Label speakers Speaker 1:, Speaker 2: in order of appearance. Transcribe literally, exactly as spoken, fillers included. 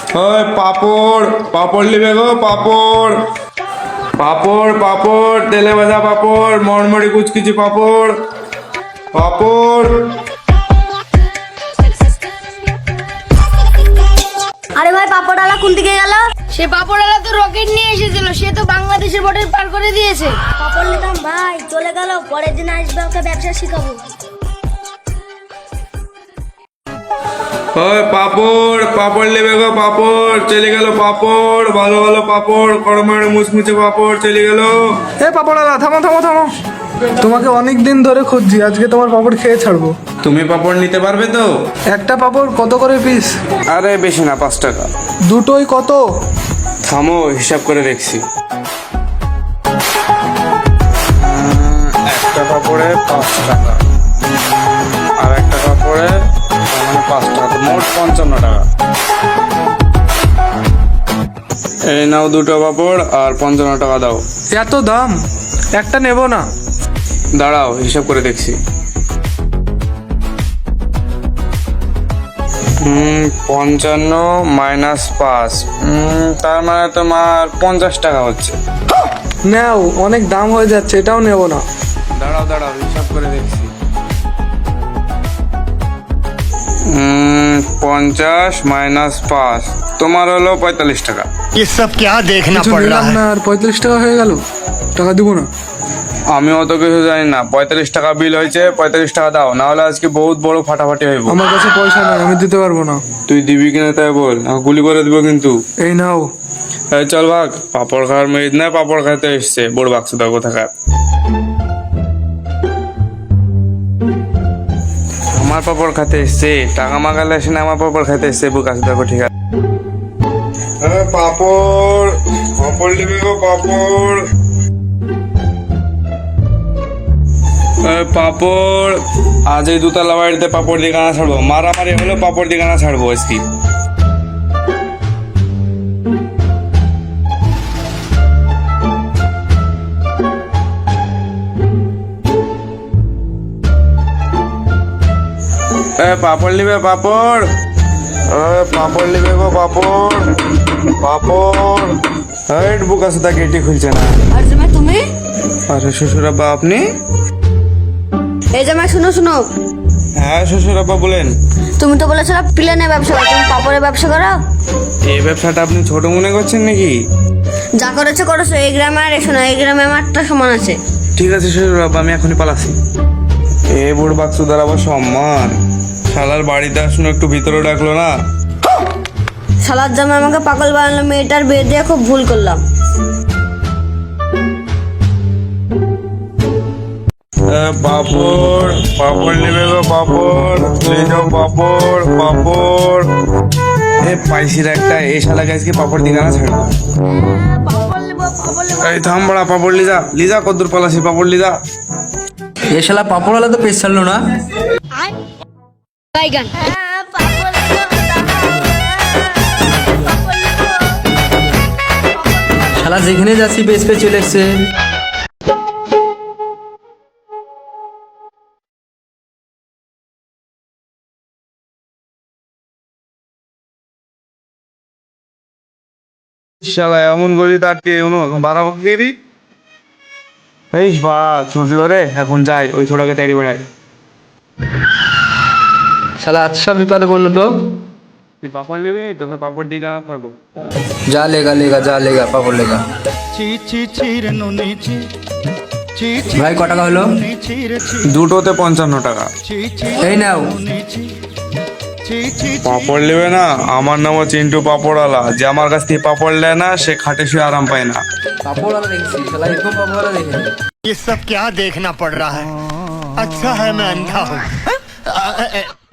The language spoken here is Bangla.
Speaker 1: ওই পাপড় পাপড় নিবে গো পাপড় পাপড় পাপড় তেলে ভাজা পাপড় মরমরি কুচকিচি পাপড় পাপড়।
Speaker 2: আরে ভাই পাপড়ওয়ালা কোন দিকে গেল?
Speaker 3: সে পাপড়ওয়ালা তো রকেট নিয়ে এসেছিল, সে তো বাংলাদেশের বর্ডার পার করে দিয়েছে।
Speaker 2: পাপড় নিতাম ভাই, চলে গেল, পরের দিন আসবে, ওকে ব্যবসা শিখাবো।
Speaker 1: ওই পাপড় পাপড় নেবে গো পাপড় চলে গেল পাপড় ভালো ভালো পাপড় কড়মাড়ে মুচমুচে পাপড় চলে গেল।
Speaker 4: এ পাপড়ালা থামো থামো থামো, তোমাকে অনেক দিন ধরে খুঁজছি, আজকে তোমার পাপড় খেয়ে ছাড়বো।
Speaker 1: তুমি পাপড় নিতে পারবে তো?
Speaker 4: একটা পাপড় কত করে পিস?
Speaker 1: আরে বেশি না, পাঁচ টাকা।
Speaker 4: দুটোই কত?
Speaker 1: থামো হিসাব করে দেখছি। একটা কাপড়ে পাঁচ টাকা আর একটা কাপড়ে মানে পাঁচ টাকা, মোট পঞ্চান্ন টাকা। এই নাও দুটো কাপড় আর পঞ্চান্ন টাকা দাও।
Speaker 4: এত দাম, একটা নেব না।
Speaker 1: দাঁড়াও হিসাব করে দেখছি। হুম পঞ্চান্ন মাইনাস পাঁচ, হুম তার মানে তোমার পঞ্চাশ টাকা হচ্ছে।
Speaker 4: নাও, অনেক দাম হয়ে যাচ্ছে, এটাও নেব না।
Speaker 1: দাঁড়াও দাঁড়াও হিসাব করে দেখছি। হুম পঞ্চাশ মাইনাস পাঁচ তোমার হলো পঁয়তাল্লিশ টাকা।
Speaker 5: ये सब क्या देखना
Speaker 4: কিছু
Speaker 5: पड़ रहा
Speaker 4: নিলাম
Speaker 5: है।
Speaker 4: না আর পঁয়তাল্লিশ টাকা হয়ে গেল, টাকা দিব না।
Speaker 1: আমি অত কিছু জানি না, পঁয়তাল্লিশ টাকা বিল হয়েছে, পঁয়তাল্লিশ টাকা দাও, না হলে আজকে বহুত বড় ফাটাফাটি হইব।
Speaker 4: আমার কাছে পয়সা নাই, আমি দিতে পারবো না।
Speaker 1: তুই দিবি কিনা তাই বল, আমাকে গুলি করে দিব কিন্তু।
Speaker 4: এই নাও।
Speaker 1: এই চল ভাগ, পাপড় খাওয়ার মেয়ে না, পাপড় খাইতে এসছে বড় বাক্স দাও কোথাকার। আমার পাপড় খাইতে এসছে, টাকা মাগালে এসে না আমার পাপড় খাইতে এসছে, বুক আছে দেখো ঠিক আছে। পাপড় পাপড় নিবি গো পাপড় পাপড়। আজ এই দুতলা বাড়িতে পাপড় দিয়ে গানা ছাড়বো, মারামারি হলো পাপড় দিয়ে গানা ছাড়বো আজকে। পাপড় নিবে পাপড়, পাপড় নিবে গো পাপড় পাপড়। হেড বুক আছে তা গেটই খুলছে না।
Speaker 3: আর জামাই তুমি?
Speaker 1: আরে শ্বশুর আব্বা আপনি?
Speaker 3: এই জামাই শুনো শুনো,
Speaker 1: হ্যাঁ শ্বশুর আব্বা বলেন।
Speaker 3: তুমি তো বলেছিলে প্লেনে ব্যবসা করো, তুমি পাপড়ের ব্যবসা করো?
Speaker 1: এই ব্যবসাটা আপনি ছোট মনে করছেন নাকি?
Speaker 3: যা করেছো করেছো, এই গ্রামে আর এসো না, এই গ্রামে আমারটা সমান আছে।
Speaker 1: ঠিক আছে শ্বশুর আব্বা, আমি এখনই পালাচ্ছি। এ বুড় বাক্স দ্বারা আবার সম্মান, শালার বাড়িতে আসুন একটু ভিতরে ডাকলো না।
Speaker 3: শালার জামাই আমাকে পাগল বানালো, মেয়েটার বিয়ে দিয়ে খুব ভুল করলাম।
Speaker 1: পাপড় পাপড় নেবে গো পাপড়, নিয়ে যাও পাপড় পাপড়। এ পাইসির একটা, এই শালাকে আজকে পাপড় দিঘা না ছাড়বো। এই থাম বড়া, পাপড় লিজা লিজা কদ্দুর পালাসি, পাপড় লিজা।
Speaker 6: এ শালা পাপড়ওয়ালা তো পেশ ছাড়লো না।
Speaker 3: বাইগান
Speaker 6: শালা যেখানে যাচ্ছি পেশ পেয়ে চলে এসছে।
Speaker 1: শালা এমন গলি তাটকে বাড়াবো গেরি। এই বা চলছি ধরে এখন যাই, ওই ছোটাকে তাড়ি বেড়াই।
Speaker 6: শালা আচ্ছা বিপদে বললো তো।
Speaker 1: তুই পাপড় নেবি, তোকে পাপড় দিঘা করবো।
Speaker 6: যা লেগা লেগা যা লেগা পাপড় লেগা। ভাই ক টাকা হলো?
Speaker 1: দুটোতে পঞ্চান্ন টাকা।
Speaker 6: এই নাও।
Speaker 1: পাপড় নেবে না? আমার নামও চিন্টু পাপড়ওয়ালা, যে আমার কাছ থেকে পাপড় নেয় না সে খাটে শুয়ে আরাম পায় না।
Speaker 6: পাপড়ওয়ালা দেখছি, শালা এরকম পাপড়ওয়ালা দেখে।
Speaker 5: ये सब क्या देखना पड़ रहा है। अच्छा है मैं अंधा हूँ।